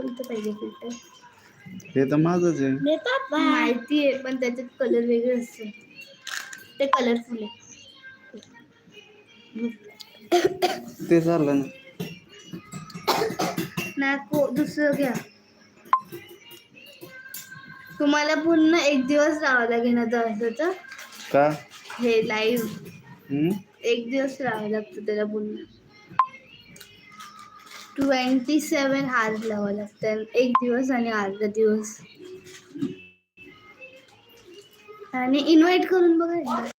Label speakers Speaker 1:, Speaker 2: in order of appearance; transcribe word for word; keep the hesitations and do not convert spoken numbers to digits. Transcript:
Speaker 1: कोणतं पाहिजे फिल्टर?
Speaker 2: हे तर माझंच आहे.
Speaker 1: माहिती आहे, पण त्याच्यात कलर वेगळे असते. ते कलरफुल आहे.
Speaker 2: ते झालं ना.
Speaker 1: नको, दुसरं घ्या. तुम्हाला पूर्ण एक दिवस राहावं लागेल ना तर
Speaker 2: का?
Speaker 1: हे लाईव्ह
Speaker 2: हम्म
Speaker 1: एक दिवस राहावं लागतं त्याला पूर्ण. ट्वेंटी सेवन आवर्स लावावं लागतं, एक दिवस आणि अर्धा दिवस. आणि इन्व्हाइट करून बघा.